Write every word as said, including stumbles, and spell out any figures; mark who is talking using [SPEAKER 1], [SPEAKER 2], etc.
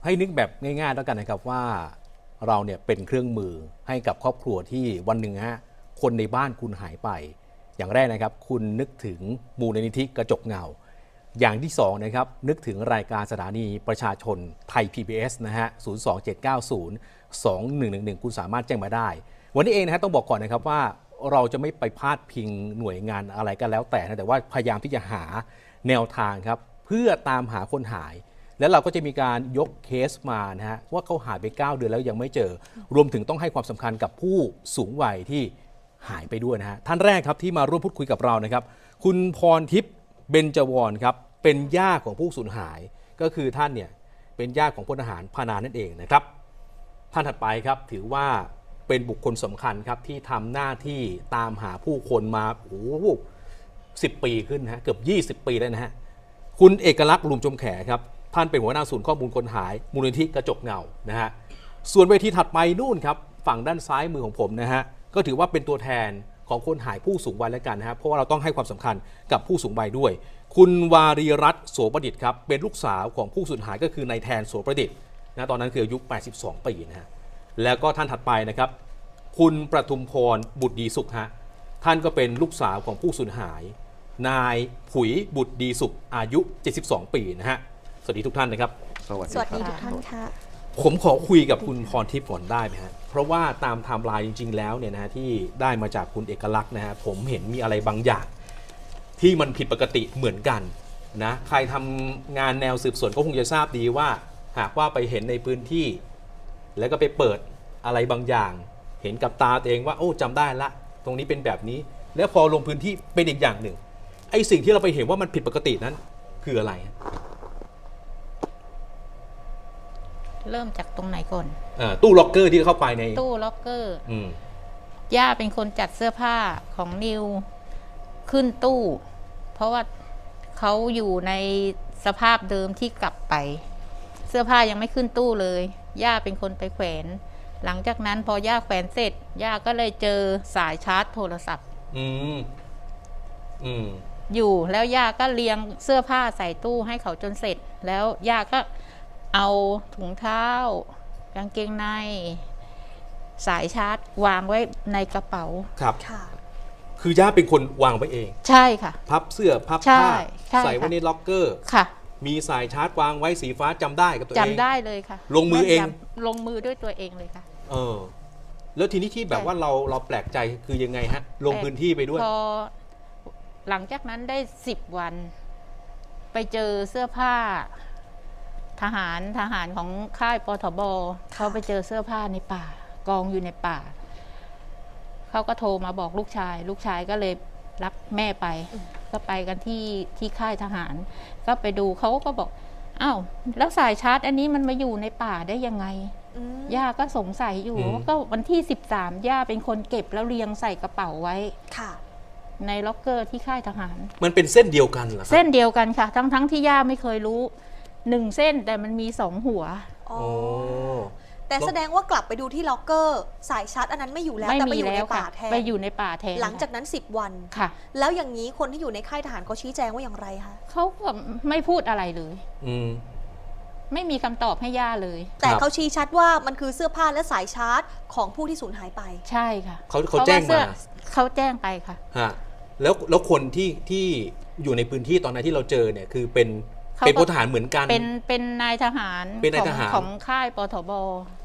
[SPEAKER 1] ให้นึกแบบง่ายๆแล้วกันนะครับว่าเราเนี่ยเป็นเครื่องมือให้กับครอบครัวที่วันหนึ่งฮะคนในบ้านคุณหายไปอย่างแรกนะครับคุณนึกถึงมูลนิธิกระจกเงาอย่างที่สองนะครับนึกถึงรายการสถานีประชาชนไทย พี บี เอส นะฮะศูนย์ สอง เจ็ด เก้า ศูนย์ สอง หนึ่ง หนึ่ง หนึ่งคุณสามารถแจ้งมาได้วันนี้เองนะฮะต้องบอกก่อนนะครับว่าเราจะไม่ไปพาดพิงหน่วยงานอะไรก็แล้วแต่นะแต่ว่าพยายามที่จะหาแนวทางครับเพื่อตามหาคนหายแล้วเราก็จะมีการยกเคสมานะฮะว่าเขาหายไปเก้าเดือนแล้วยังไม่เจอรวมถึงต้องให้ความสำคัญกับผู้สูงวัยที่หายไปด้วยนะฮะท่านแรกครับที่มาร่วมพูดคุยกับเรานะครับคุณพรทิพย์เบญจวรครับเป็นย่าของผู้สูญหายก็คือท่านเนี่ยเป็นญาติของพลทหารพานานั่นเองนะครับท่านถัดไปครับถือว่าเป็นบุคคลสำคัญครับที่ทำหน้าที่ตามหาผู้คนมาโอ้โหสิบปีขึ้นนะฮะเกือบยี่สิบปีแล้วนะฮะคุณเอกลักษณ์ลุมจมแขครับท่านเป็นหัวหน้าศูนย์ข้อมูลคนหายมูลนิธิกระจกเงานะฮะส่วนเวทีถัดไปนู่นครับฝั่งด้านซ้ายมือของผมนะฮะก็ถือว่าเป็นตัวแทนของคนหายผู้สูงวัยแล้วกันนะฮะเพราะว่าเราต้องให้ความสำคัญกับผู้สูงวัยด้วยคุณวารีรัตน์โสประดิษฐ์ครับเป็นลูกสาวของผู้สูญหายก็คือนายแทนโสประดิษฐ์นะตอนนั้นคืออายุแปดสิบสองปีนะฮะแล้วก็ท่านถัดไปนะครับคุณประทุมพรบุตรดีสุขฮะท่านก็เป็นลูกสาวของผู้สูญหายนายผุยบุตรดีสุขอายุเจ็ดสิบสองปีนะฮะสวัสดีทุกท่านนะครับ
[SPEAKER 2] สวัสดี
[SPEAKER 3] สวัสดี
[SPEAKER 2] ค
[SPEAKER 3] ทุ
[SPEAKER 2] รับ
[SPEAKER 3] กท่านค่ะ
[SPEAKER 1] ผมขอคุยกับคุณพรทิพย์ก่อนได้ไหมฮะเพราะว่าตามไทม์ไลน์จริงๆแล้วเนี่ยนะฮะที่ได้มาจากคุณเอกลักษณ์นะฮะผมเห็นมีอะไรบางอย่างที่มันผิดปกติเหมือนกันนะใครทำงานแนวสืบสวนก็คงจะทราบดีว่าหากว่าไปเห็นในพื้นที่ แล้วก็ไปเปิดอะไรบางอย่าง เห็นกับตาตัวเองว่าโอ้จำได้ละตรงนี้เป็นแบบนี้ แล้วพอลงพื้นที่เป็นอีกอย่างหนึ่งไอ้สิ่งที่เราไปเห็นว่ามันผิดปกตินั้นคืออะไร
[SPEAKER 4] เริ่มจากตรงไหนก่อน
[SPEAKER 1] อ่าตู้ล็อกเกอร์ที่เข้าไปใน
[SPEAKER 4] ตู้ล็อกเกอร์
[SPEAKER 1] อืม
[SPEAKER 4] ย่าเป็นคนจัดเสื้อผ้าของนิวขึ้นตู้ เพราะว่าเขาอยู่ในสภาพเดิมที่กลับไป เสื้อผ้ายังไม่ขึ้นตู้เลย ย่าเป็นคนไปแขวน หลังจากนั้นพอย่าแขวนเสร็จ ย่าก็เลยเจอสายชาร์จโทรศัพท์
[SPEAKER 1] อืมอืม
[SPEAKER 4] อยู่แล้วย่าก็เรียงเสื้อผ้าใส่ตู้ให้เขาจนเสร็จ แล้วย่าก็เอาถุงเท้ากางเกงในสายชาร์จวางไว้ในกระเป๋า
[SPEAKER 1] ครับ
[SPEAKER 3] ค่ะ
[SPEAKER 1] คือย่าเป็นคนวางไว้เอง
[SPEAKER 4] ใช่ค่ะ
[SPEAKER 1] พับเสื้อพับ
[SPEAKER 4] ใช่
[SPEAKER 1] ผ้า
[SPEAKER 4] ใช่
[SPEAKER 1] ใส่ไว้
[SPEAKER 4] ค่ะ
[SPEAKER 1] ในล็อกเกอร์
[SPEAKER 4] ค่ะ
[SPEAKER 1] มีสายชาร์จวางไว้สีฟ้าจำได้กับตัวเอง
[SPEAKER 4] จำได้เลยค่ะ
[SPEAKER 1] ลงมือเอง
[SPEAKER 4] แนยำลงมือด้วยตัวเองเลยค่ะ
[SPEAKER 1] เออ แล้วทีนี้ที่แบบว่าเราเราแปลกใจคือยังไงฮะ ลงพื้นที่ไปด้วย
[SPEAKER 4] พอหลังจากนั้นได้สิบวัน ไปเจอเสื้อผ้า ทหารทหารของค่ายปทบเขาไปเจอเสื้อผ้าในป่า กองอยู่ในป่า เขาก็โทรมาบอกลูกชาย ลูกชายก็เลยรับแม่ไป ก็ไปกันที่ที่ค่ายทหาร ก็ไปดูเขาก็บอกอ้าวแล้วสายชาร์จ อันนี้มันมาอยู่ในป่าได้ยังไง
[SPEAKER 3] อืม
[SPEAKER 4] ย่าก็สงสัยอยู่
[SPEAKER 1] อืม
[SPEAKER 4] ว่าก็วันที่สิบสามย่าเป็นคนเก็บแล้วเรียงใส่กระเป๋าไว้
[SPEAKER 3] ค่ะ
[SPEAKER 4] ในล็อกเกอร์ที่ค่ายทหาร
[SPEAKER 1] มันเป็นเส้นเดียวกันเหรอครับ
[SPEAKER 4] เส้นเดียวกันค่ะ ทั้งทั้งที่ย่าไม่เคยรู้หนึ่งเส้นแต่มันมีสองหัว
[SPEAKER 3] อ๋อ
[SPEAKER 1] โอ้
[SPEAKER 3] แต่แสดงว่ากลับไปดูที่ล็อกเกอร์ สายชาร์จอันนั้นไม่อยู่แล้ว
[SPEAKER 4] ไม่
[SPEAKER 3] แต่ไป
[SPEAKER 4] มี
[SPEAKER 3] อยู่
[SPEAKER 4] แล้
[SPEAKER 3] ใน
[SPEAKER 4] ว
[SPEAKER 3] ป่า
[SPEAKER 4] ค่ะ
[SPEAKER 3] แทน
[SPEAKER 4] ไปอยู่ในป่าแทน
[SPEAKER 3] หลังจากนั้นสิบวัน
[SPEAKER 4] ค่ะ
[SPEAKER 3] แล้วอย่างนี้คนที่อยู่ในค่ายทหารเขาชี้แจงว่าอย่างไรคะ
[SPEAKER 4] เขาก็ไม่พูดอะไรเลย
[SPEAKER 1] อืม
[SPEAKER 4] ไม่มีคำตอบให้ย่าเลย
[SPEAKER 3] แต่
[SPEAKER 1] ครับ
[SPEAKER 3] เขาชี้ชัดว่ามันคือเสื้อผ้าและสายชาร์จของผู้ที่สูญหายไป
[SPEAKER 4] ใช่ค่ะ
[SPEAKER 1] เขาเขา
[SPEAKER 4] พระว่
[SPEAKER 1] แจ้งมา
[SPEAKER 4] สื้อเขาแจ้งไปค่ะ
[SPEAKER 1] ฮะ แล้วแล้วคนที่ที่อยู่ในพื้นที่ตอนนั้นที่เราเจอเนี่ยคือเป็น
[SPEAKER 4] เขา
[SPEAKER 1] เป็น
[SPEAKER 4] ก็
[SPEAKER 1] พลทหารเหมือนกัน
[SPEAKER 4] เป็นเป็นนายทหาร
[SPEAKER 1] เป็นนาย
[SPEAKER 4] ของ
[SPEAKER 1] ทหาร
[SPEAKER 4] ของค่ายปทบ